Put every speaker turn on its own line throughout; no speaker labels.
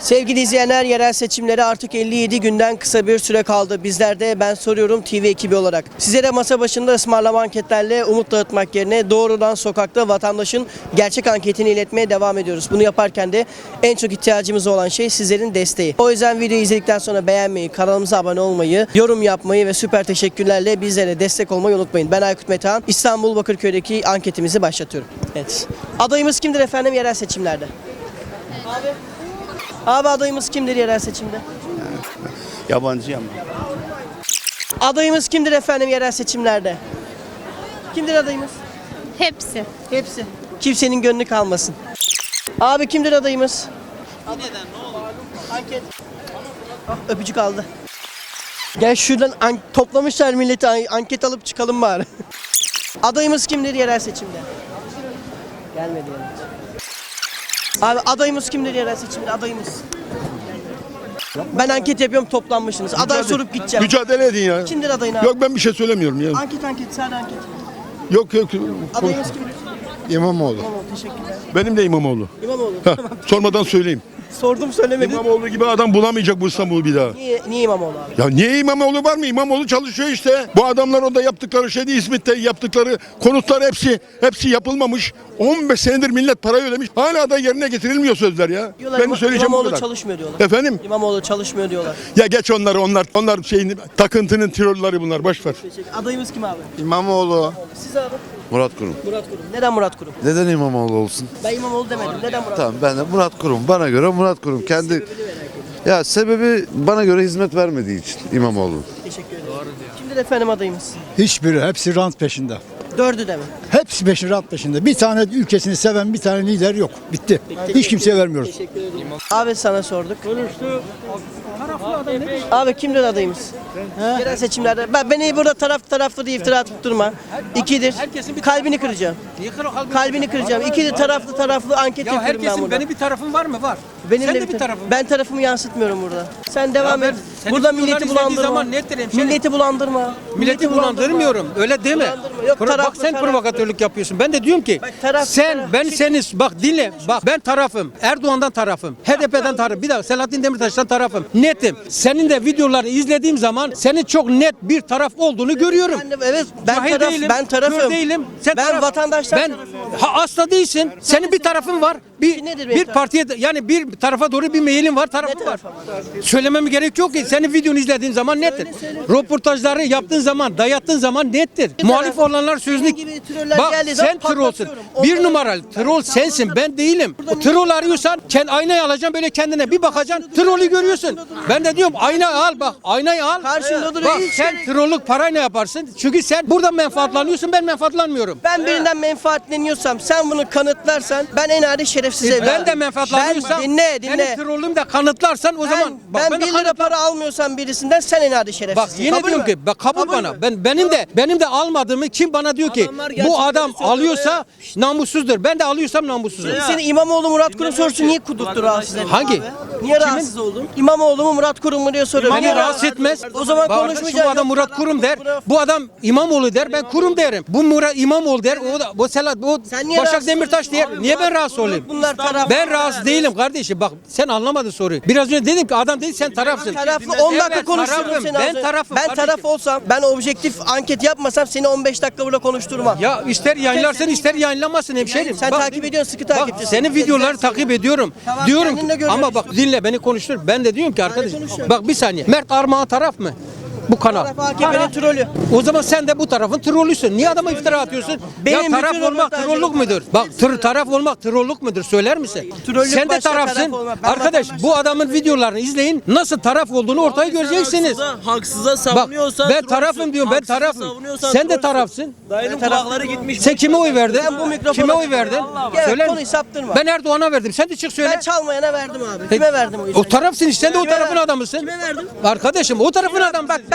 Sevgili izleyenler, yerel seçimlere artık 57 günden kısa bir süre kaldı. Bizler de Ben Soruyorum TV ekibi olarak sizlere masa başında ısmarlama anketlerle umut dağıtmak yerine doğrudan sokakta vatandaşın gerçek anketini iletmeye devam ediyoruz. Bunu yaparken de en çok ihtiyacımız olan şey sizlerin desteği. O yüzden videoyu izledikten sonra beğenmeyi, kanalımıza abone olmayı, yorum yapmayı ve süper teşekkürlerle bizlere destek olmayı unutmayın. Ben Aykut Metehan, İstanbul Bakırköy'deki anketimizi başlatıyorum. Evet. Adayımız kimdir efendim yerel seçimlerde? Abi adayımız kimdir yerel seçimde?
Yabancı ama.
Adayımız kimdir efendim yerel seçimlerde? Kimdir adayımız?
Hepsi.
Hepsi. Kimsenin gönlü kalmasın. Abi kimdir adayımız? Neden? Ne oldu? Anket. Ah, öpücük aldı. Gel şuradan toplamışlar milleti, anket alıp çıkalım bari. Adayımız kimdir yerel seçimde? Gelmedi yani. Abi adayımız kimdir yerel seçimde? Adayımız. Ben anket yapıyorum, toplanmışsınız. Aday sorup gideceğim.
Mücadele edin ya.
Kimdir adayın abi?
Yok ben bir şey söylemiyorum ya.
Anket, sadece anket.
Yok.
Adayımız kimdir?
İmamoğlu.
İmamoğlu, teşekkürler.
Benim de İmamoğlu.
İmamoğlu.
Heh, sormadan söyleyeyim.
Sordum söylemedin.
İmamoğlu gibi adam bulamayacak bu İstanbul'u bir daha.
Niye İmamoğlu abi?
Ya niye İmamoğlu var mı? İmamoğlu çalışıyor işte. Bu adamlar orada yaptıkları şeyde, İzmit'te yaptıkları konutlar hepsi yapılmamış. 15 senedir millet parayı ödemiş. Hala da yerine getirilmiyor sözler ya.
Diyorlar,
Benim söyleyeceğim bu
İmamoğlu
kadar.
çalışmıyor diyorlar.
Efendim?
İmamoğlu çalışmıyor diyorlar.
Ya geç onları, onlar şeyin takıntının tirolları bunlar, boş ver.
Adayımız kim abi?
İmamoğlu.
Siz abi?
Murat Kurum.
Murat Kurum. Neden Murat Kurum?
Neden İmamoğlu olsun?
Ben İmamoğlu demedim. Neden Murat
Tamam ben de Murat Kurum. Bana göre Murat Kurum. Ya sebebi bana göre hizmet vermediği için İmamoğlu.
Teşekkür ederim. Kimdir efendim adayımız?
Hiçbiri, hepsi rant peşinde.
Dördü de mi?
Hepsi rant peşinde. Bir tane ülkesini seven bir tane lider yok. Bitti. Hiç kimseye vermiyoruz.
Teşekkür ederim. Abi sana sorduk. Abi kimdir adayımız? Yerel seçimlerde. Beni burada taraflı diye iftira atıp durma. İkidir. Kalbini kıracağım. Kalbini kıracağım. İkidir taraflı anket
Ya
yapıyorum ben
herkesin
burada.
benim bir tarafım var mı? Var.
Benim
Sen
de
de bir tarafın.
Ben tarafımı yansıtmıyorum burada. Sen devam
Ya
et.
senin
Burada
videoları
milleti
izlediğin
bulandırma.
zaman nettir hemşerim.
Milleti bulandırma.
Milleti bulandırmıyorum. Öyle deme.
Bulandırma. Yok,
Bak
taraflı,
sen
taraflı.
provokatörlük yapıyorsun. Ben de diyorum ki
Bak, taraflı,
sen
taraflı.
ben seniz bak dinle. Bak ben tarafım. Erdoğan'dan tarafım. HDP'den tarafım. Bir daha Selahattin Demirtaş'tan tarafım. Netim. Senin de videoları izlediğim zaman senin çok net bir taraf olduğunu görüyorum.
Ben tarafım.
Kör değilim. Sen
Ben vatandaştan
Ben
tarafım.
asla değilsin. Senin bir tarafın var.
Nedir benim
Bir partiye yani bir tarafa doğru bir meyilin var, tarafın var.
tarafa var?
Söylememe gerek yok ki. Senin videonu izlediğim zaman nettir. Röportajları yaptığın zaman, dayattığın zaman nettir. Muhalif olanlar sözlük.
gibi troller
Bak
geldiği zaman
sen trollsün.
patlatıyorum.
Bir
Onları-
numaralı troll sensin, ben değilim. O troll arıyorsan aynayı alacaksın böyle kendine bir bakacaksın. Trollü görüyorsun. Ben de diyorum ayna al bak. Aynayı al.
Karşında duruyor,
Bak
hiç
sen
gerek-
trollük parayla yaparsın. Çünkü sen burada menfaatlanıyorsun, ben menfaatlanmıyorum.
Ben birinden menfaatleniyorsam, sen bunu kanıtlarsan ben en adi şerefsiz evladım.
Ben de menfaatlanıyorsam,
Ben dinle.
benim trollüm de kanıtlarsan o zaman
Ben
de
1 lira para almıyorsam birisinden sen en adi şerefsizsin.
Bak yine
Kabul
diyorum
mü?
ki bak kabul
Kabul
bana.
mü?
Benim de almadığımı kim bana diyor ki
Adamlar gerçekleri
bu adam
söylüyor
alıyorsa namussuzdur. Ben de alıyorsam namussuzum.
Seni İmamoğlu Murat Kurum sorusu niye kudurttu rahatsız edin
Hangi?
abi? Niye rahatsız oldun? İmamoğlu mu Murat Kurum mu diye soruyor.
Beni rahatsız etmez.
O zaman
Bak,
konuşmayacağım.
Bu adam Murat Kurum der. Bu adam İmamoğlu der. Ben Kurum derim. Bu Murat İmamoğlu der. O da bu
Sen niye
Başak
rahatsız
Demirtaş der.
oluyorsun?
Niye ben rahatsız olayım?
Bunlar taraf.
Ben rahatsız değilim kardeşim. Bak sen anlamadın soruyu. Biraz önce dedim ki adam dedi sen tarafsın.
Taraflı 10 dakika
Evet,
konuştururum
tarafım.
seni. az
Ben
önce.
tarafım
Ben
kardeşim.
taraf olsam, ben objektif anket yapmasam seni 15 dakika burada konuşturmam.
Ya ister yayınlarsın ister yayınlamasın hemşerim.
Sen takip ediyorsun, sıkı takipçisin.
Bak senin videoları takip ediyorum.
Tamam,
Diyorum
kendin de
ki
görüyorsun
ama bak dinle beni konuştur. Ben de diyorum ki arkadaş
konuşuyorum.
bak bir saniye. Mert Armağan taraf mı? Bu kanal.
Taraf AKP'nin trolü.
O zaman sen de bu tarafın trollüsün. Niye adama iftira atıyorsun?
Benim
ya taraf
bütün
olmak
röportajlarım-
trollük müdür? Bak taraf olmak trollük müdür? Söyler misin?
Trollük
Sen de
başka,
tarafsın.
taraf olmak. Ben
Arkadaş
vatandaşım.
bu adamın videolarını izleyin. Nasıl taraf olduğunu ortaya göreceksiniz.
Haksıza
Bak
savunuyorsan
ben tarafım diyorum. Ben tarafım. Sen de tarafsın.
Dayının kulakları gitmiş.
Sen kime oy verdin?
Ben bu mikrofona
Kime oy
çıkıyorum.
verdin?
Evet,
Söyler
konuyu
misin?
saptırma.
Ben Erdoğan'a verdim. Sen de çık söyle.
Ben çalmayana verdim abi. Kime verdim o yüzden?
O tarafsın işte. Sen de o
Kime
tarafın
verdim?
adamısın.
Kime verdim?
Arkadaşım o tarafın adamısın.
Bak ben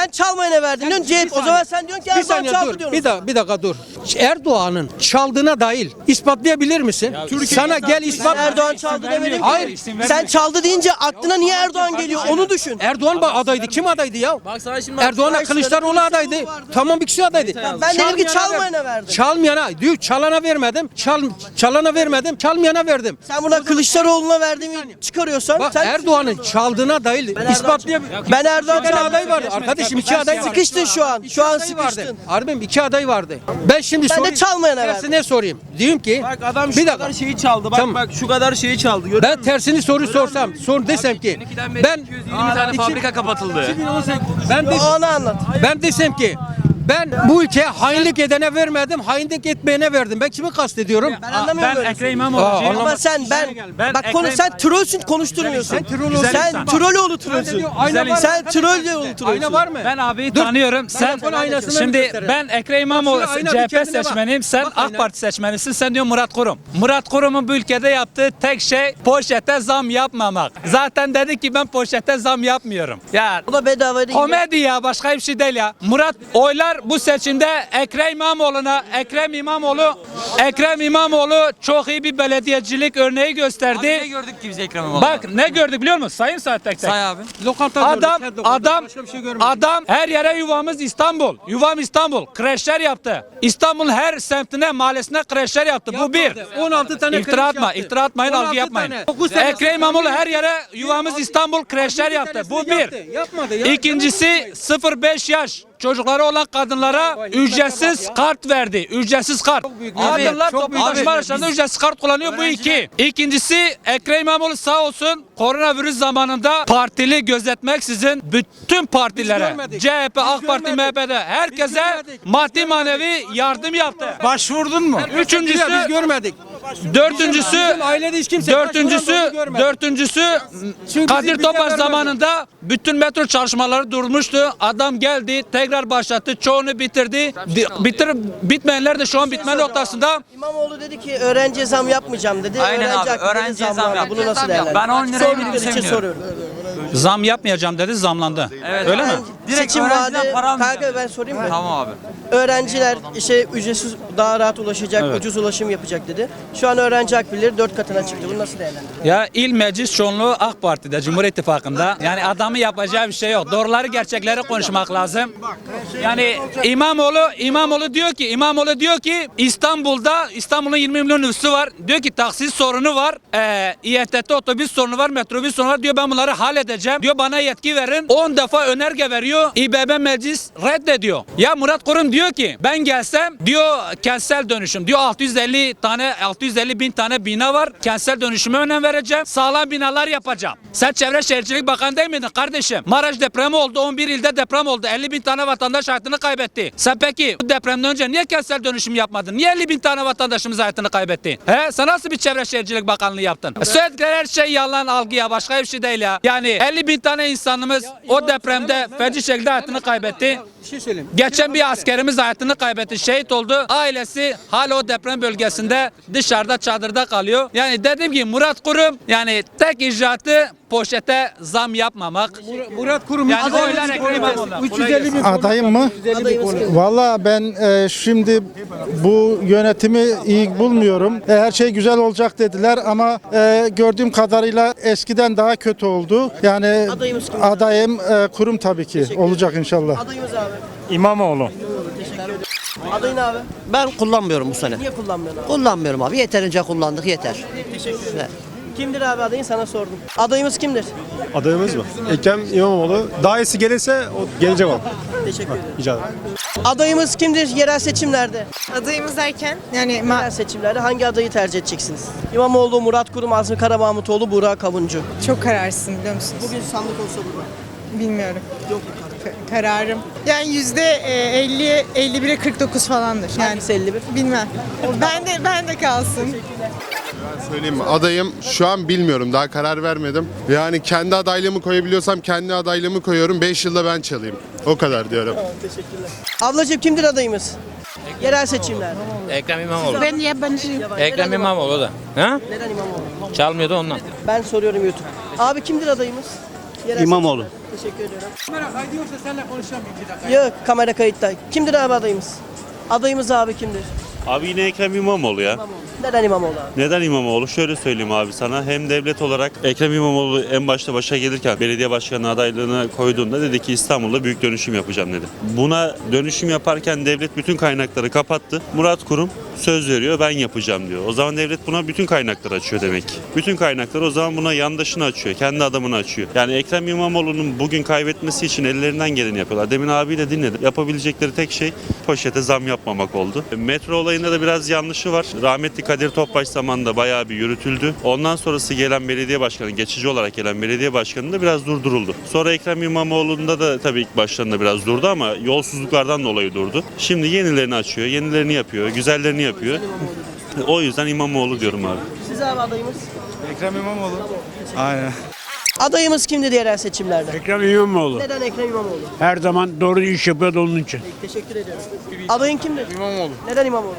sen çalmayana verdin diyorsun CHP. O zaman sen diyorsun ki
Bir
Erdoğan
saniye
çaldı
dur.
diyorsun.
Bir dakika dur. Erdoğan'ın çaldığına dair ispatlayabilir misin? Sana gel ispat.
Erdoğan çaldı demedim ki.
Hayır.
Sen çaldı deyince aklına niye Erdoğan geliyor onu düşün.
Erdoğan adaydı. Kim adaydı ya?
Bak sana şimdi
Erdoğan'la Kılıçdaroğlu adaydı. Tamam, bir kişi adaydı.
Ben dedim ki çalmayana verdim.
Çalmayana diyor, çalana vermedim. Çalana vermedim. Çalmayana verdim.
Sen buna Kılıçdaroğlu'na verdiğimi çıkarıyorsan
Bak
sen
Erdoğan'ın çaldığına dair ispatlayabilir.
ben Erdoğan
İki tane
çaldı.
aday vardı. Arkadaşım iki aday vardı.
Sıkıştın şu an. Şu an
aday vardı.
sıkıştın.
Harbim iki aday vardı. Ben şimdi
Ben de
sorayım.
çalmayana verdim.
Tersine sorayım. Diyorum ki
Bak adam şu
bir
kadar
dakika.
şeyi çaldı. Bak
Tamam.
bak şu kadar şeyi çaldı. Görüyor
Ben
musun?
tersini sorsam, desem ki ben
20 tane fabrika kapatıldı.
2018 ben de
Onu anlat.
ben desem ki ben bu ülkeye hainlik edene vermedim, hainlik etmeyene verdim. Ben kimi kastediyorum?
Ben anlamıyorum böyle.
Ekrem İmamoğlu'cuyum.
Ama sen bak konu sen trollsün konuşturmuyorsun.
Sen troll
Sen Trolloğlu trollsün.
Ayna var.
Sen Trolloğlu trollsün.
Ayna var mı?
Ben abiyi tanıyorum. Sen
Telefon aynasını
şimdi
gösterin.
ben Ekrem İmamoğlu
Bak şu ayna bir
CHP
kendine bak.
seçmeniyim. Sen
Bak
AK
ayna.
Parti seçmenisin. Sen diyor Murat Kurum. Murat Kurum'un bu ülkede yaptığı tek şey poşete zam yapmamak. Zaten dedi ki ben poşete zam yapmıyorum. Ya
O da bedava değil.
komedi ya, başka bir şey değil ya. Murat oylar bu seçimde Ekrem İmamoğlu çok iyi bir belediyecilik örneği gösterdi.
Ne gördük ki biz Ekrem İmamoğlu?
Bak ne gördük biliyor musun? Sayın saat tek tek.
Say abi.
Lokanta
Adam
gördük, her lokanta.
adam
Başka bir şey görmedik.
adam her yere yuvamız İstanbul. Yuvam İstanbul. Kreşler yaptı. İstanbul'un her semtine, mahallesine kreşler yaptı. Bu bir.
Yapmadı. 16 tane
İftira
kreş
atma,
yaptı.
iftira atmayın,
16
algı yapmayın.
tane. 9 tane
Ekrem İmamoğlu her yere yuvamız İstanbul kreşler yaptı. Bu bir.
Yapmadı ya.
İkincisi 0-5 yaş çocukları olan kadınlara ücretsiz kart verdi. Ücretsiz kart.
büyük.
Kadınlar
Abi, çok
toplu
büyük.
taşıma
Abi,
araçlarında ücretsiz kart kullanıyor. Bu iki. İkincisi Ekrem İmamoğlu sağ olsun koronavirüs zamanında partili gözetmeksizin bütün partilere
görmedik.
CHP, AK
Biz
Parti,
görmedik.
MHP'de herkese
görmedik.
maddi manevi yardım yaptı. Başvurdun mu?
Biz
Üçüncüsü
görmedik.
Dördüncüsü
Bizim ailede hiç kimse başvuran da onu görmedi.
dördüncüsü
Çünkü
Kadir
bize
Topbaş
vermedi.
zamanında bütün metro çalışmaları durmuştu. Adam geldi, tekrar başlattı, çoğunu bitirdi. Bitmeyenler de şu an bitme noktasında.
İmamoğlu dedi ki öğrenciye zam yapmayacağım dedi.
Aynen abi,
hakkında
öğrenciye
zam
zam
var.
yap.
Bunu nasıl
Ben
değerlendiriyorsun?
10 liraya
Sordukları
minibüse
için
biniyorum.
soruyorum.
Zam yapmayacağım dedi, zamlandı.
Evet.
Öyle mi?
Direkt
Seçim
öğrenciden
vaadi.
para almayacağım.
Kanka ben sorayım mı?
Tamam abi.
Öğrenciler işte ücretsiz daha rahat ulaşacak, ucuz ulaşım yapacak dedi. Şu an öğrenci akbilleri 4 katına çıktı. Bunu nasıl değerlendiriyorsun?
Ya il meclis çoğunluğu AK Parti'de, Cumhur İttifakı'nda. Yani adamın yapacağı bir şey yok. Doğruları, gerçekleri konuşmak lazım. Yani İmamoğlu diyor ki İstanbul'un 20 milyon nüfusu var. Diyor ki taksit sorunu var. İETT otobüs sorunu var, metrobüs sorunu var. Diyor ben bunları halledeceğim. Diyor bana yetki verin. 10 defa önerge veriyor. İBB meclis reddediyor. Ya Murat Kurum diyor ki ben gelsem diyor kentsel dönüşüm. Diyor 650 bin tane bina var. Kentsel dönüşüme önem vereceğim. Sağlam binalar yapacağım. Sen Çevre Şehircilik Bakanı değil miydin kardeşim? Maraş depremi oldu. 11 ilde deprem oldu. 50 bin tane vatandaş hayatını kaybetti. Sen peki bu depremden önce niye kentsel dönüşüm yapmadın? Niye 50 bin tane vatandaşımız hayatını kaybetti? Sen nasıl bir Çevre Şehircilik Bakanlığı yaptın? Söyledikleri her şey yalan, algı ya. Başka bir şey değil ya. Yani 50 bin tane insanımız o depremde feci şekilde hayatını kaybetti.
Bir şey söyleyeyim.
Geçen bir askerimiz hayatını kaybetti, şehit oldu. Ailesi hala o deprem bölgesinde dışarıda çadırda kalıyor. Yani dediğim gibi Murat Kurum yani tek icraatı poşete zam yapmamak.
Murat Kurum
Yani
adayımız
oylar
bir
Ekrem
konu.
İmamoğlu'na.
350 bin
Adayım mı? Valla ben şimdi bu yönetimi iyi bulmuyorum. Her şey güzel olacak dediler ama gördüğüm kadarıyla eskiden daha kötü oldu. Yani
Adayımız kim?
adayım Kurum tabii ki olacak inşallah.
Adayımız abi.
İmamoğlu.
Adayın abi.
Ben kullanmıyorum bu sene.
Niye kullanmıyorsun abi?
Kullanmıyorum abi. Yeterince kullandık yeter.
Teşekkür ederim. Kimdir abi adayın sana sordum. Adayımız kimdir?
Adayımız mı? Ekrem İmamoğlu. Daha iyisi gelirse o gelecek o.
Teşekkür ederim.
Rica ederim.
Adayımız kimdir yerel seçimlerde?
Adayımız derken yani
Yerel seçimlerde hangi adayı tercih edeceksiniz? İmamoğlu, Murat Kurum, Azmi Karabağ-Mutoğlu, Burak Kavuncu.
çok kararsın biliyor musunuz?
Bugün sandık olsa burada.
Bilmiyorum.
Yok.
Kararım. Yani %50, 51'e 49 falandır. Yani
Hangisi 51?
bilmem. Ben de kalsın.
Söyleyeyim mi? Adayım şu an bilmiyorum. Daha karar vermedim. Yani kendi adaylığımı koyabiliyorsam kendi adaylığımı koyuyorum. 5 yılda ben çalayım. O kadar diyorum.
Teşekkürler. Ablacığım kimdir adayımız? Yerel seçimler.
Ekrem İmamoğlu.
Ben yabancıyım.
Ekrem İmamoğlu da. Ha?
Neden İmamoğlu?
Çalmıyordu ondan.
Ben soruyorum YouTube. Abi kimdir adayımız? Yerel
İmamoğlu.
seçimler. Teşekkür ediyorum.
Kamera kaydıyorsa seninle konuşacağım bir dakika.
Yok, kamera kayıtta. Kimdir abi adayımız? Adayımız abi kimdir?
Abi yine Ekrem İmamoğlu ya.
İmamoğlu. Neden İmamoğlu abi?
Neden İmamoğlu? Şöyle söyleyeyim abi sana. Hem devlet olarak Ekrem İmamoğlu en başta başa gelirken belediye başkanı adaylığına koyduğunda dedi ki İstanbul'da büyük dönüşüm yapacağım dedi. Buna dönüşüm yaparken devlet bütün kaynakları kapattı. Murat Kurum söz veriyor, ben yapacağım diyor. O zaman devlet buna bütün kaynakları açıyor demek ki. Bütün kaynakları o zaman buna yandaşını açıyor, kendi adamını açıyor. Yani Ekrem İmamoğlu'nun bugün kaybetmesi için ellerinden geleni yapıyorlar. Demin abiyi de dinledim. Yapabilecekleri tek şey poşete zam yapmamak oldu. Metro olayında da biraz yanlışı var. Rahmetli Kadir Topbaş zamanında bayağı bir yürütüldü. Ondan sonrası gelen belediye başkanı, geçici olarak gelen belediye başkanı da biraz durduruldu. Sonra Ekrem İmamoğlu'nda da tabii ilk başlarında biraz durdu ama yolsuzluklardan dolayı durdu. Şimdi yenilerini açıyor, yenilerini yapıyor, güzellerini yapıyor. O yüzden İmamoğlu diyorum abi.
Siz abi adayımız?
Ekrem İmamoğlu. Aynen.
Adayımız kimdir yerel seçimlerde?
Ekrem İmamoğlu.
Neden Ekrem İmamoğlu?
Her zaman doğru iş yapıyor da onun için.
Teşekkür ediyorum. Adayın kimdir?
İmamoğlu.
Neden İmamoğlu?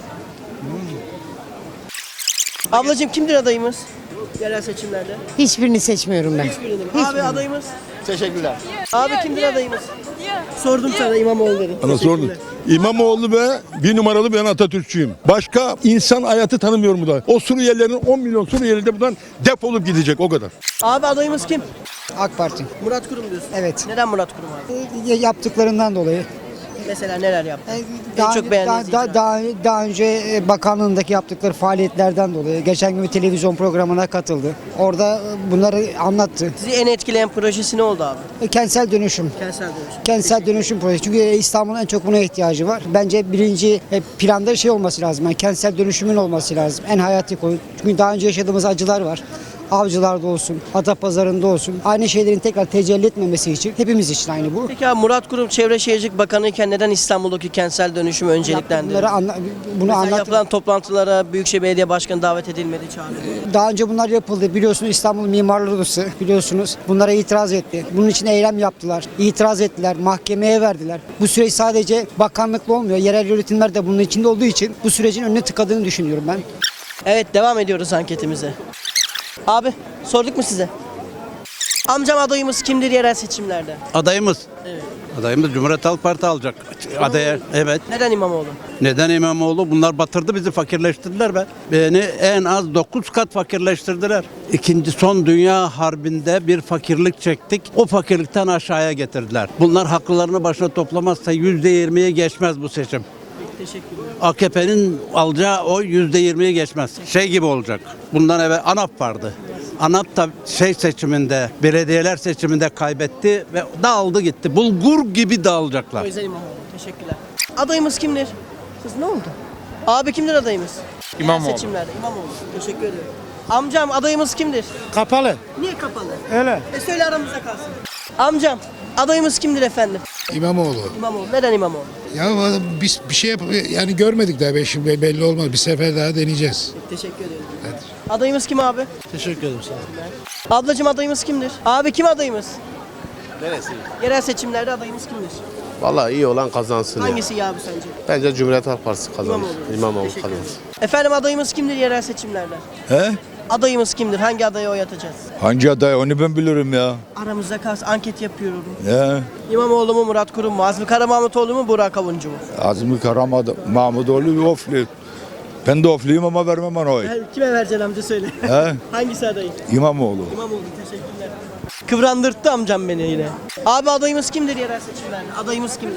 Ablacığım kimdir adayımız? Yerel seçimlerde.
Hiçbirini seçmiyorum ben.
Hiçbirini. Abi adayımız? Teşekkürler. Abi kimdir adayımız? Sordum sana İmamoğlu dedim.
Bana sordun. İmamoğlu ve bir numaralı ben Atatürkçüyüm. Başka insan hayatı tanımıyorum bu da. O Suriyelilerin 10 milyon Suriyeli de buradan defolup gidecek o kadar.
Abi adayımız kim?
AK Parti.
Murat Kurum diyorsun.
Evet.
Neden Murat Kurum abi?
Yaptıklarından dolayı.
Mesela neler yaptı? En çok beğendiğiniz icraat.
daha önce bakanlığındaki yaptıkları faaliyetlerden dolayı geçen gün bir televizyon programına katıldı. Orada bunları anlattı.
Sizi en etkileyen projesi ne oldu abi?
Kentsel dönüşüm.
Kentsel dönüşüm.
Kentsel dönüşüm projesi. Çünkü İstanbul'un en çok buna ihtiyacı var. Bence birinci planda şey olması lazım. Yani kentsel dönüşümün olması lazım. En hayati konu. Çünkü daha önce yaşadığımız acılar var. Avcılarda olsun, Atapazarı'nda olsun. Aynı şeylerin tekrar tecelli etmemesi için hepimiz için aynı bu.
Peki abi Murat Kurum Çevre Şehircilik Bakanı iken neden İstanbul'daki kentsel dönüşümü önceliklendirdi?
Bunu
Mesela yapılan toplantılara Büyükşehir Belediye Başkanı davet edilmedi, çağrıldı.
Daha önce bunlar yapıldı. Biliyorsunuz İstanbul Mimarlar Odası biliyorsunuz. Bunlara itiraz etti. Bunun için eylem yaptılar. İtiraz ettiler. Mahkemeye verdiler. Bu süreç sadece bakanlıkla olmuyor. Yerel yönetimler de bunun içinde olduğu için bu sürecin önüne tıkadığını düşünüyorum ben.
Evet, devam ediyoruz anketimize. Abi sorduk mu size? Amcam adayımız kimdir yerel seçimlerde?
Adayımız.
Evet.
Adayımız Cumhuriyet Halk Parti alacak. Adaya evet.
Neden İmamoğlu?
Neden İmamoğlu? Bunlar batırdı bizi, fakirleştirdiler be. Beni en az 9 kat fakirleştirdiler. İkinci son dünya harbinde bir fakirlik çektik. O fakirlikten aşağıya getirdiler. Bunlar haklarını başına toplamazsa %20'ye geçmez bu seçim.
Teşekkür ederim.
AKP'nin alacağı oy %20'yi geçmez. Şey gibi olacak. Bundan evvel ANAP vardı. ANAP da seçiminde, belediyeler seçiminde kaybetti ve dağıldı gitti. Bulgur gibi dağılacaklar.
O yüzden İmamoğlu. Teşekkürler. Adayımız kimdir? Kız ne oldu? Abi kimdir adayımız?
İmamoğlu.
Seçimlerde İmamoğlu. Teşekkür ederim. Amcam adayımız kimdir?
Kapalı.
Niye kapalı?
Öyle.
Söyle aramızda kalsın. Amcam adayımız kimdir efendim?
İmamoğlu.
İmamoğlu. Neden İmamoğlu?
Ya biz bir şey yani görmedik daha şimdi belli olmaz. Bir sefer daha deneyeceğiz.
Teşekkür ederim. Adayımız kim abi?
Teşekkür ederim sağ olun.
Ablacığım adayımız kimdir? Abi kim adayımız? Neresi? Yerel seçimlerde adayımız kimdir?
Vallahi iyi olan kazansın
Hangisi iyi abi sence?
Bence Cumhuriyet Halk Partisi kazanır.
İmamoğlu. Teşekkür ederim. Efendim adayımız kimdir yerel seçimlerde?
He?
Adayımız kimdir? Hangi adaya oy atacağız?
Hangi aday onu ben bilirim ya.
Aramızda kalsın, anket yapıyorum.
He?
İmamoğlu mu, Murat Kurum mu, Azmi Karamahmutoğlu mu, Burak Avuncu mu?
Azmi Mahmudoğlu ofli. Ben de ofluyum ama vermem ona oy.
Kime vereceksin amca söyle.
He?
Hangisi adayı?
İmamoğlu.
İmamoğlu, teşekkürler. Kıvrandırttı amcam beni yine. Abi adayımız kimdir yerel seçimlerde? Adayımız kimdir?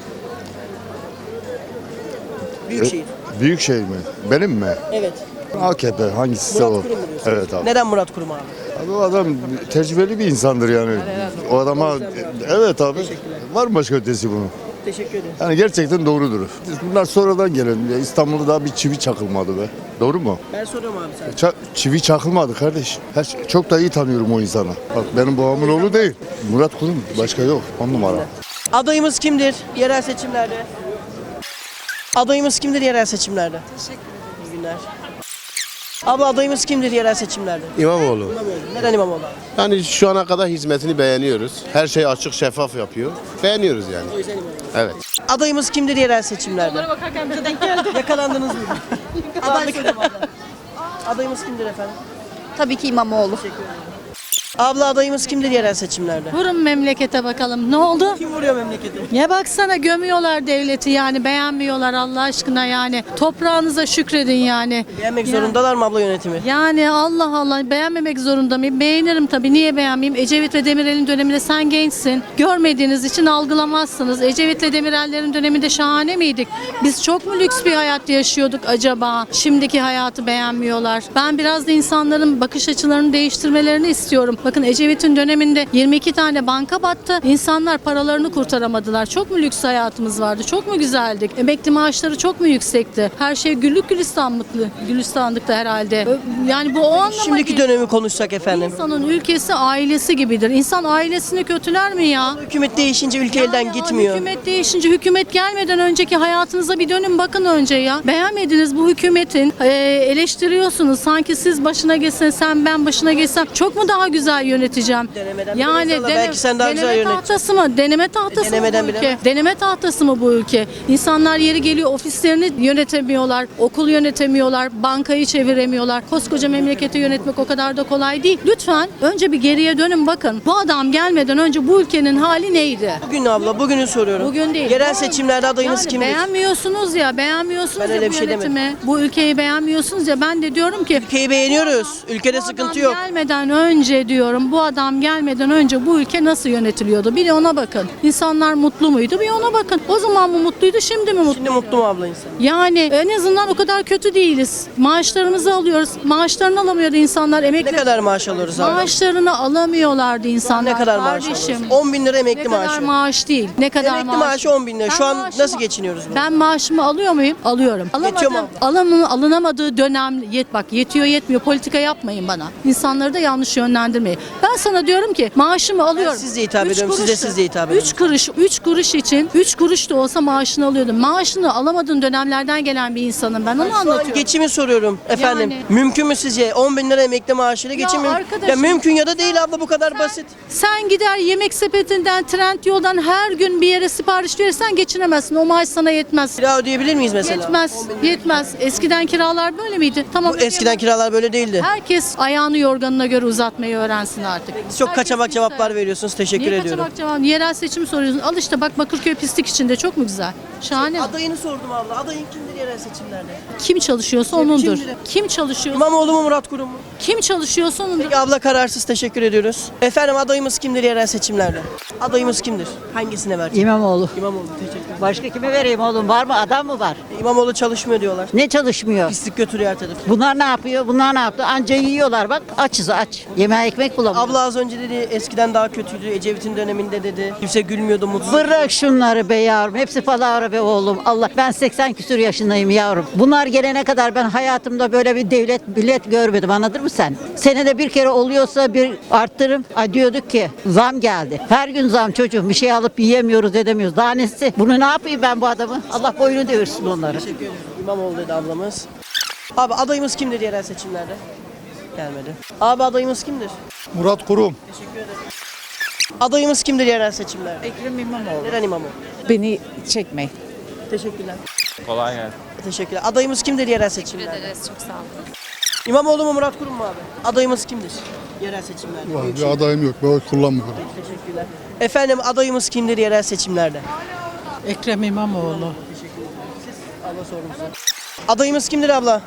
Büyükşehir.
Büyükşehir mi? Benim mi?
Evet.
AKP hangisi
Murat Kurum mu diyorsun?
Evet abi.
Neden Murat Kurum abi?
Abi o adam tecrübeli bir insandır yani. O adama evet abi. Var mı başka ötesi bunun?
Teşekkür ederim.
Yani gerçekten doğrudur. Bunlar sonradan gelen. İstanbul'da daha bir çivi çakılmadı be. Doğru mu?
Ben soruyorum abi sana.
Çivi çakılmadı kardeş. Çok da iyi tanıyorum o insanı. Bak benim babamın oğlu değil. Murat Kurum. Başka yok. 10 numara.
Adayımız kimdir yerel seçimlerde? Adayımız kimdir yerel seçimlerde? Teşekkür ederim. İyi günler. Abla adayımız kimdir yerel seçimlerde?
İmamoğlu.
İmamoğlu. Neden İmamoğlu abi?
Yani şu ana kadar hizmetini beğeniyoruz. Her şey açık şeffaf yapıyor. Beğeniyoruz yani.
O yüzden İmamoğlu.
Evet.
Adayımız kimdir yerel seçimlerde? Yakalandınız mı? Aday soruyorum abla. Adayımız kimdir efendim?
Tabii ki İmamoğlu.
Teşekkür ederim. Abla adayımız kimdir yerel seçimlerde?
Vurun memlekete bakalım. Ne oldu?
Kim vuruyor memleketi?
Ya baksana gömüyorlar devleti yani beğenmiyorlar Allah aşkına yani. Toprağınıza şükredin yani.
Beğenmek zorundalar mı abla yönetimi?
Yani Allah Allah beğenmemek zorunda mıyım? Beğenirim tabii. Niye beğenmeyeyim? Ecevit ve Demirel'in döneminde sen gençsin. Görmediğiniz için algılamazsınız. Ecevit ve Demirel'lerin döneminde şahane miydik? Biz çok mu lüks bir hayat yaşıyorduk acaba? Şimdiki hayatı beğenmiyorlar. Ben biraz da insanların bakış açılarını değiştirmelerini istiyorum. Bakın Ecevit'in döneminde 22 tane banka battı. İnsanlar paralarını kurtaramadılar. Çok mu lüks hayatımız vardı? Çok mu güzeldik? Emekli maaşları çok mu yüksekti? Her şey güllük gülistanlıktı herhalde. Yani bu o anlama
Şimdiki
geliyor.
dönemi konuşsak efendim.
İnsanın ülkesi ailesi gibidir. İnsan ailesini kötüler mi ya?
Hükümet değişince ülke elden
Yani
gitmiyor.
Hükümet değişince, hükümet gelmeden önceki hayatınıza bir dönün bakın önce ya. Beğenmediniz bu hükümetin, eleştiriyorsunuz. Sanki siz başına geçsen, sen ben başına geçsem çok mu daha güzel yöneteceğim?
Denemeden
Yani
bilemez Allah, belki sen daha güzel
deneme
yönet.
tahtası mı? Deneme tahtası
Denemeden
mı bu ülke?
bilemez.
Deneme tahtası mı bu ülke? İnsanlar yeri geliyor ofislerini yönetemiyorlar, okul yönetemiyorlar, bankayı çeviremiyorlar. Koskoca memleketi yönetmek o kadar da kolay değil. Lütfen önce bir geriye dönün bakın. Bu adam gelmeden önce bu ülkenin hali neydi?
Bugün abla, bugünü soruyorum.
Bugün değil.
Yerel seçimlerde adayınız
Yani
kimdir?
beğenmiyorsunuz ya, beğenmiyorsunuz
Ben
ya
öyle
bu
bir şey
yönetimi. Bu ülkeyi beğenmiyorsunuz ya. Ben de diyorum ki
Ülkeyi beğeniyoruz. Ülkede sıkıntı
adam
yok.
gelmeden önce diyorum, bu adam gelmeden önce bu ülke nasıl yönetiliyordu? Bir de ona bakın. İnsanlar mutlu muydu? Bir ona bakın. O zaman mı mutluydu, şimdi mi mutlu?
Şimdi mutlu mu abla insan?
Yani en azından o kadar kötü değiliz. Maaşlarımızı alıyoruz. Maaşlarını alamıyordu insanlar.
Ne
Emekli
kadar maaş alıyoruz abi?
maaşlarını alamıyorlardı insanlar.
Ne kadar maaş
Kardeşim,
alıyoruz? 10 bin lira emekli
ne kadar
maaşı.
maaş değil. Ne kadar
Emekli maaşı 10 bin lira.
Ben
Şu an
maaşımı-
nasıl geçiniyoruz bunu?
Ben maaşımı alıyor muyum? Alıyorum.
Yetiyor mu
Alınamadığı dönem bak yetiyor yetmiyor politika yapmayın bana. İnsanları da yanlış yönlendirmeyin. Ben sana diyorum ki maaşımı alıyorum.
size hitap
Üç
ediyorum, siz de
kuruştu.
siz de hitap edin.
3 kuruş için 3 kuruş da olsa maaşını alıyordum. Maaşını alamadığın dönemlerden gelen bir insanım ben onu
Şu an
anlatıyorum.
geçimi soruyorum efendim.
Yani-
Mümkün mü sizce 10 bin lira emekli maaşıyla geçim mümkün?
arkadaşım-
Ya mümkün ya da değil abla, bu kadar basit.
Sen gider yemek sepetinden, Trendyol'dan her gün bir yere sipariş verirsen geçinemezsin. O maaş sana yetmez.
Kira ödeyebilir miyiz mesela?
Yetmez. Eskiden kiralar böyle miydi? Tamam.
Bu eskiden kiralar böyle değildi.
Herkes ayağını yorganına göre uzatmayı öğrensin artık.
Siz çok
Herkes
kaçamak
ister.
cevaplar veriyorsunuz. Teşekkür
Niye
ediyorum.
kaçamak cevap? Yerel seçim soruyorsun. Al işte bak Bakırköy pislik içinde çok mu güzel? Şahane.
Adayını sordum abla. Adayın kimdir yerel seçimlerde?
Kim çalışıyorsa onundur.
Kimdir?
Kim çalışıyor?
İmamoğlu mu, Murat Kurum mu?
Kim çalışıyorsa onundur.
Peki abla kararsız, teşekkür ediyoruz. Efendim adayımız kimdir yerel seçimlerde? Adayımız kimdir? Hangisine vereceğiz?
İmamoğlu.
İmamoğlu, teşekkür ederim.
Başka kime vereyim oğlum? Var mı? Adam mı var?
İmamoğlu çalışmıyor diyorlar.
Ne çalışmıyor?
Pislik götürüyor her tarafı.
Bunlar ne yapıyor? Bunlar ne yaptı? Anca yiyorlar bak. Açız aç. Yemeğe ekmek bulamıyor.
Abla az önce dedi eskiden daha kötüydü. Ecevit'in döneminde dedi. Kimse gülmüyordu, mutsuz.
Bırak şunları be yavrum. Hepsi palavra be oğlum. Allah ben 80 küsur yaşındayım yavrum. Bunlar gelene kadar ben hayatımda böyle bir devlet millet görmedim. Anladın mı sen? Senede bir kere oluyorsa bir arttırım. Ay diyorduk ki zam geldi. Her gün zam çocuğum. Bir şey alıp yiyemiyoruz edemiyoruz. Daha nesi? Bunu ne yapayım ben bu adamı? Allah boynu devirsin onları.
Teşekkür ederim. İmamoğlu dedi ablamız. Abi adayımız kimdir yerel seçimlerde? Gelmedi. Abi adayımız kimdir?
Murat Kurum.
Adayımız kimdir yerel seçimlerde?
Ekrem İmamoğlu.
Neden İmamoğlu?
Beni çekmeyin.
Teşekkürler.
Kolay gelsin.
Teşekkürler. Adayımız kimdir yerel seçimlerde?
Çok sağ olun.
İmamoğlu mu, Murat Kurum mu abi? Adayımız kimdir yerel seçimlerde?
Bir adayım yok. Ben oy kullanmıyorum.
Teşekkürler. Efendim adayımız kimdir yerel seçimlerde?
Ekrem İmamoğlu.
Abla sordum size. Adayımız kimdir abla?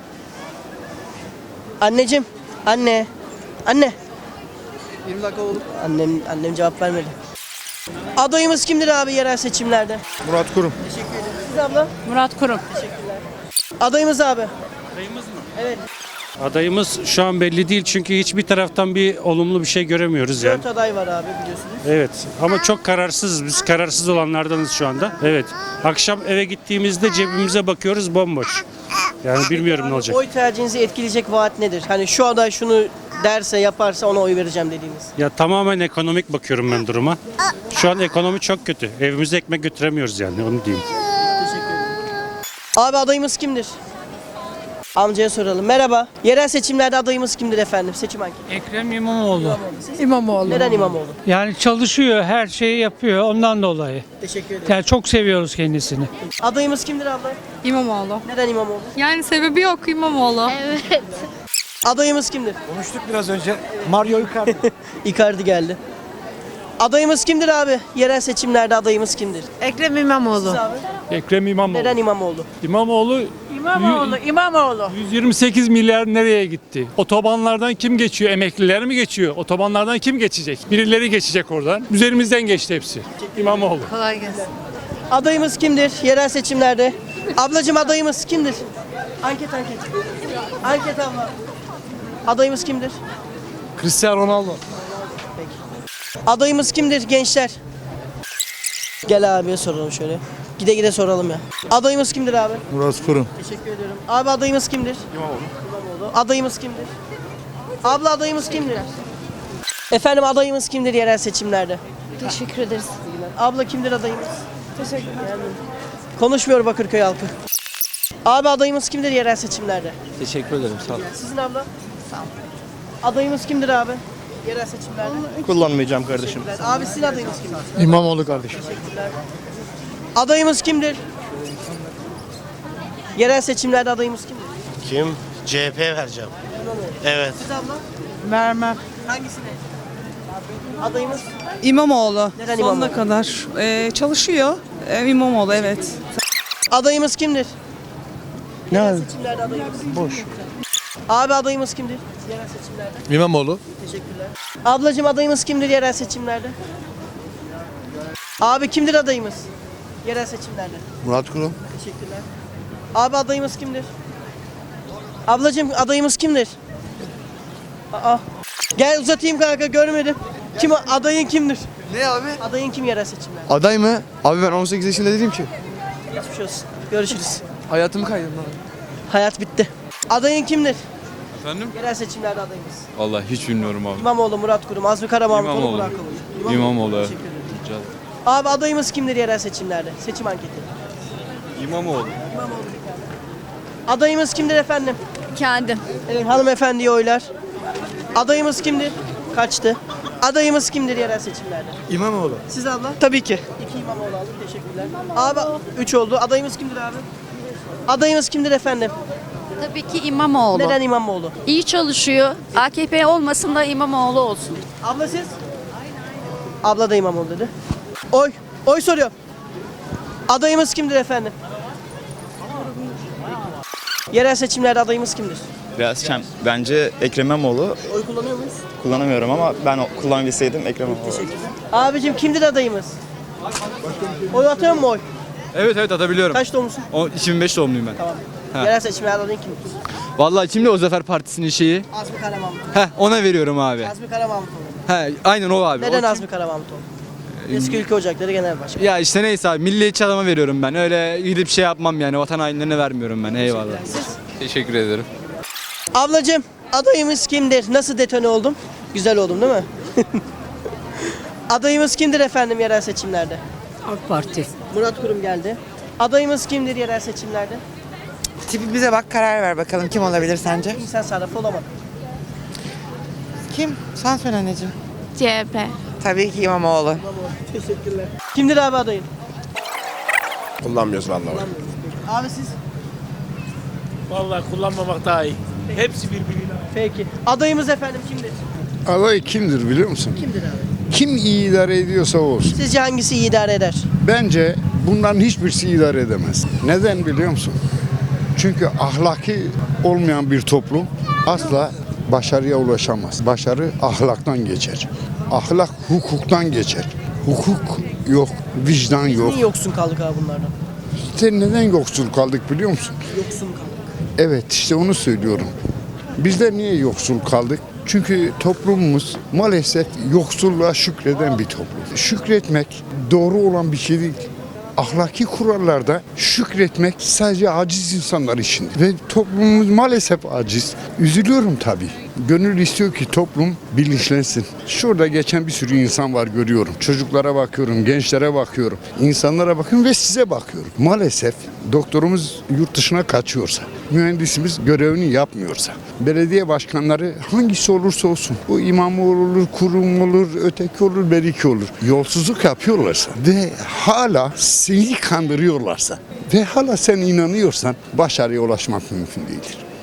Anneciğim. Anne. Anne. 20 dakika oldu. Annem cevap vermedi. Adayımız kimdir abi yerel seçimlerde?
Murat Kurum.
Teşekkür ederim. Siz abla?
Murat Kurum.
Adayımız abi.
Adayımız mı?
Evet.
Adayımız şu an belli değil çünkü hiçbir taraftan bir olumlu bir şey göremiyoruz yani.
4 aday var abi biliyorsunuz.
Evet ama çok kararsızız. Biz kararsız olanlardanız şu anda. Evet. Akşam eve gittiğimizde cebimize bakıyoruz bomboş. Yani bilmiyorum ne olacak.
Oy tercihinizi etkileyecek vaat nedir? Hani şu aday şunu derse yaparsa ona oy vereceğim dediğiniz.
Ya tamamen ekonomik bakıyorum ben duruma. Şu an ekonomi çok kötü. Evimize ekmek götüremiyoruz yani onu diyeyim.
Abi adayımız kimdir? Amcaya soralım. Merhaba. Yerel seçimlerde adayımız kimdir efendim? Seçim anketi.
Ekrem İmamoğlu.
İmamoğlu.
Neden İmamoğlu?
Yani çalışıyor, her şeyi yapıyor ondan dolayı.
Teşekkür ederim.
Yani çok seviyoruz kendisini.
Adayımız kimdir abla?
İmamoğlu.
Neden İmamoğlu?
Yani sebebi yok İmamoğlu.
Evet.
Adayımız kimdir?
Konuştuk biraz önce. Mario Icardi.
Icardi geldi. Adayımız kimdir abi? Yerel seçimlerde adayımız kimdir?
Ekrem İmamoğlu.
Siz abi?
Ekrem İmamoğlu.
Neden İmamoğlu?
İmamoğlu
İmamoğlu.
128 milyar nereye gitti? Otobanlardan kim geçiyor? Emekliler mi geçiyor? Otobanlardan kim geçecek? Birileri geçecek oradan. Üzerimizden geçti hepsi. İmamoğlu.
Kolay gelsin.
Adayımız kimdir yerel seçimlerde? Ablacım adayımız kimdir? Anket. Anket abla. Adayımız kimdir?
Cristiano Ronaldo.
Adayımız kimdir gençler? Gel abiye soralım şöyle. Gide gide soralım ya. Adayımız kimdir abi?
Murat Kurum.
Teşekkür ediyorum. Abi adayımız kimdir? İmamoğlu. Adayımız kimdir? Abla adayımız kimdir? Efendim adayımız kimdir yerel seçimlerde?
Teşekkür ederiz.
Abla kimdir adayımız? Teşekkürler. Konuşmuyor Bakırköy halkı. Abi adayımız kimdir yerel seçimlerde?
Teşekkür ederim sağ ol.
Sizin abla? Sağ ol. Adayımız kimdir abi? Yerel seçimlerde.
Kullanmayacağım kardeşim.
Abi sizin adayınız kimdir?
İmamoğlu kardeşim.
Adayımız kimdir? Yerel seçimlerde adayımız kimdir?
Kim? CHP vereceğim. Evet.
Siz abla?
Vermem.
Hangisine? Adayımız?
İmamoğlu.
Neden
Sonuna
İmamoğlu?
kadar. Çalışıyor. İmamoğlu evet.
Adayımız kimdir?
Ne?
Yerel seçimlerde adayımız.
Boş.
Abi adayımız kimdir? Yerel seçimlerde.
İmamoğlu.
Teşekkürler. Ablacığım adayımız kimdir yerel seçimlerde? Abi kimdir adayımız? Yerel seçimlerde.
Murat Kurum.
Teşekkürler. Abi adayımız kimdir? Ablacığım adayımız kimdir? Aa. Gel uzatayım kanka görmedim. Kim adayın kimdir?
Ne abi?
Adayın kim yerel seçimlerde?
Aday mı? Abi ben 18 yaşında dedim ki.
Geçmiş olsun. Görüşürüz.
Hayatımı kaydırdım abi.
Hayat bitti. Adayın kimdir?
Efendim?
Yerel seçimlerde adayımız.
Vallahi hiç bilmiyorum abi.
İmamoğlu, Murat Kurum, Azmi Karamahmutoğlu,
İmamoğlu.
Burak Kılıç.
İmamoğlu.
Teşekkür ederim. Abi adayımız kimdir yerel seçimlerde? Seçim anketi.
İmamoğlu.
Adayımız kimdir efendim?
Kendim.
Evet, hanımefendiye oylar. Adayımız kimdir? Kaçtı. Adayımız kimdir yerel seçimlerde?
İmamoğlu.
Siz abla? Tabii ki. 2 İmamoğlu aldım. Teşekkürler. Abi 3 oldu. Adayımız kimdir abi? Adayımız kimdir efendim?
Tabii ki İmamoğlu.
Neden İmamoğlu?
İyi çalışıyor. AKP olmasın da İmamoğlu olsun.
Abla siz? Abla da İmamoğlu dedi. Oy. Oy soruyor. Adayımız kimdir efendim? Yerel seçimlerde adayımız kimdir?
Biraz bence Ekrem İmamoğlu.
Oy kullanıyor muyuz?
Kullanamıyorum ama ben kullanabilseydim Ekrem İmamoğlu.
Teşekkürler. Abicim kimdir adayımız? Oy atıyor mu oy?
Evet atabiliyorum.
Kaç doğumlusun?
2005 doğumluyum ben.
Tamam. Yerel seçimlerde adayın kimdir?
Vallahi kimdi o Zafer Partisi'nin şeyi?
Azmi Karamahmutoğlu.
Ona veriyorum abi.
Azmi Karamahmutoğlu.
Aynen o abi.
Neden Azmi Karamahmutoğlu? Eski Ülke Ocakları Genel Başkanı.
Ya işte neyse abi milliyetçi adama veriyorum ben. Öyle gidip şey yapmam yani vatan hainlerine vermiyorum ben. Eyvallah.
Siz?
Teşekkür ederim.
Ablacığım adayımız kimdir? Nasıl detone oldum? Güzel oldum değil mi? Adayımız kimdir efendim yerel seçimlerde?
AK Parti.
Murat Kurum geldi. Adayımız kimdir yerel seçimlerde?
Tipimize bak karar ver bakalım kim olabilir sence?
İnsan sarrafı olamadı.
Kim? Sen söyle anneciğim.
CHP.
Tabii ki İmamoğlu.
Teşekkürler. Kimdir abi adayın?
Kullanmıyoruz vallahi.
Abi siz?
Vallahi kullanmamak daha iyi. Hepsi birbiriyle.
Peki. Adayımız efendim kimdir?
Aday kimdir biliyor musun?
Kimdir abi?
Kim iyi idare ediyorsa olsun.
Sizce hangisi iyi idare eder?
Bence bunların hiçbirisi idare edemez. Neden biliyor musun? Çünkü ahlaki olmayan bir toplum asla başarıya ulaşamaz. Başarı ahlaktan geçer. Ahlak hukuktan geçer. Hukuk yok, vicdan yok.
Niye yoksun kaldık abi bunlardan?
İşte neden yoksul kaldık biliyor musun?
Yoksun kaldık.
Evet işte onu söylüyorum. Bizler niye yoksul kaldık? Çünkü toplumumuz maalesef yoksulluğa şükreden bir toplum. Şükretmek doğru olan bir şey değil. Ahlaki kurallarda şükretmek sadece aciz insanlar için. Ve toplumumuz maalesef aciz. Üzülüyorum tabii. Gönül istiyor ki toplum bilinçlensin. Şurada geçen bir sürü insan var görüyorum. Çocuklara bakıyorum, gençlere bakıyorum. İnsanlara bakıyorum ve size bakıyorum. Maalesef doktorumuz yurt dışına kaçıyorsa, mühendisimiz görevini yapmıyorsa, belediye başkanları hangisi olursa olsun, bu İmamoğlu olur, Kurum olur, öteki olur, beriki olur. Yolsuzluk yapıyorlarsa ve hala seni kandırıyorlarsa ve hala sen inanıyorsan başarıya ulaşmak mümkün değildir.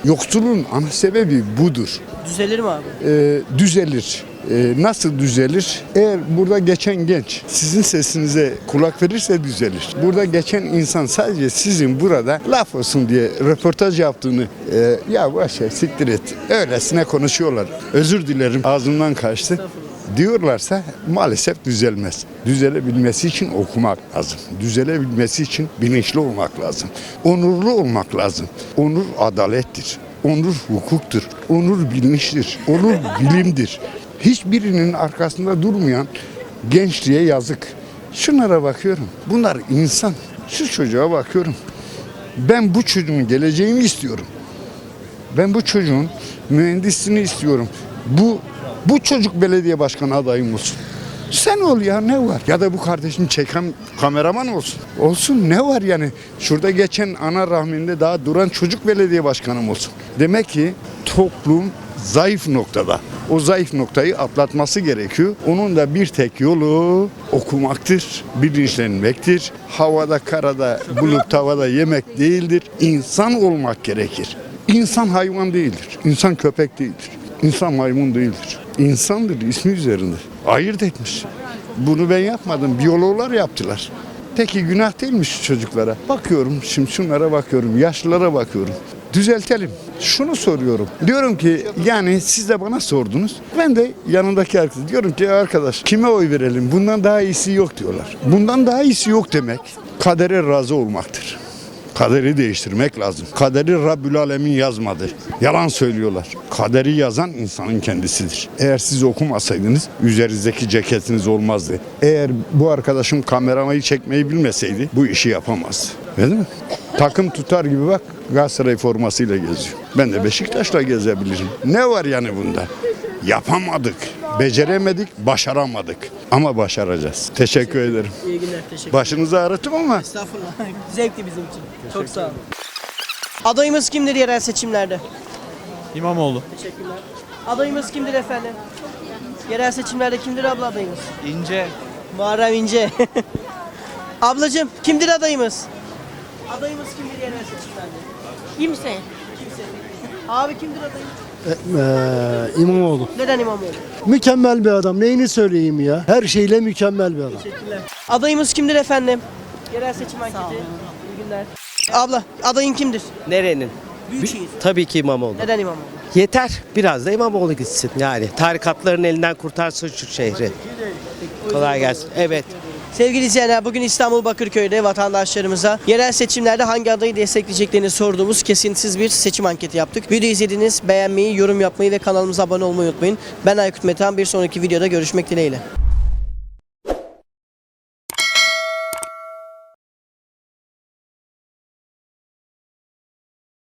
Yoksulluğun ana sebebi budur.
Düzelir mi abi?
Düzelir. Nasıl düzelir? Eğer burada geçen genç sizin sesinize kulak verirse düzelir. Burada geçen insan sadece sizin burada laf olsun diye röportaj yaptığını ya boş ver siktir et. Öylesine konuşuyorlar. Özür dilerim ağzımdan kaçtı. Diyorlarsa maalesef düzelmez. Düzelebilmesi için okumak lazım. Düzelebilmesi için bilinçli olmak lazım. Onurlu olmak lazım. Onur adalettir. Onur hukuktur. Onur bilinçtir. Onur bilimdir. Hiçbirinin arkasında durmayan gençliğe yazık. Şunlara bakıyorum. Bunlar insan. Şu çocuğa bakıyorum. Ben bu çocuğun geleceğini istiyorum. Ben bu çocuğun mühendisliğini istiyorum. Bu çocuk belediye başkanı adayım olsun. Sen ol ya, ne var? Ya da bu kardeşim çeken kameraman olsun. Olsun, ne var yani? Şurada geçen ana rahminde daha duran çocuk belediye başkanım olsun. Demek ki toplum zayıf noktada. O zayıf noktayı atlatması gerekiyor. Onun da bir tek yolu okumaktır, bilinçlenmektir. Havada, karada, bulup tavada yemek değildir. İnsan olmak gerekir. İnsan hayvan değildir. İnsan köpek değildir. İnsan maymun değildir. İnsandır, ismi üzerinde. Ayırt etmiş. Bunu ben yapmadım. Biyologlar yaptılar. Peki günah değilmiş çocuklara. Bakıyorum, şimdi şunlara bakıyorum, yaşlılara bakıyorum. Düzeltelim. Şunu soruyorum. Diyorum ki yani siz de bana sordunuz. Ben de yanındaki herkese diyorum ki arkadaş kime oy verelim? Bundan daha iyisi yok diyorlar. Bundan daha iyisi yok demek kadere razı olmaktır. Kaderi değiştirmek lazım. Kaderi Rabbül Alemin yazmadı. Yalan söylüyorlar. Kaderi yazan insanın kendisidir. Eğer siz okumasaydınız üzerinizdeki ceketiniz olmazdı. Eğer bu arkadaşım kameramayı çekmeyi bilmeseydi bu işi yapamazdı. Değil mi? Takım tutar gibi bak Galatasaray formasıyla geziyor. Ben de Beşiktaş'la gezebilirim. Ne var yani bunda? Yapamadık, beceremedik, başaramadık. Ama başaracağız. Teşekkür ederim.
İyi günler, teşekkür ederim.
Başınızı ağrıttım ama.
Estağfurullah. Zevkli bizim için. Çok sağ olun. Adayımız kimdir yerel seçimlerde?
İmamoğlu.
Teşekkürler. Adayımız kimdir efendim? Yerel seçimlerde kimdir abla adayımız?
İnce.
Muharrem İnce. Ablacığım kimdir adayımız? Adayımız kimdir yerel seçimlerde?
Kimse.
Abi kimdir adayımız?
İmamoğlu.
Neden İmamoğlu?
Mükemmel bir adam. Neyini söyleyeyim ya? Her şeyle mükemmel bir adam.
Teşekkürler. Adayımız kimdir efendim? Yerel seçim anketi. İyi günler. Abla adayın kimdir?
Nerenin?
Büyükşehir.
Tabii ki İmamoğlu.
Neden İmamoğlu?
Yeter. Biraz da İmamoğlu gitsin. Yani tarikatların elinden kurtarsın şu şehri. Kolay gelsin. Evet.
Sevgili izleyenler bugün İstanbul Bakırköy'de vatandaşlarımıza yerel seçimlerde hangi adayı destekleyeceklerini sorduğumuz kesintisiz bir seçim anketi yaptık. Videoyu izlediniz, beğenmeyi, yorum yapmayı ve kanalımıza abone olmayı unutmayın. Ben Aykut Metehan, bir sonraki videoda görüşmek dileğiyle.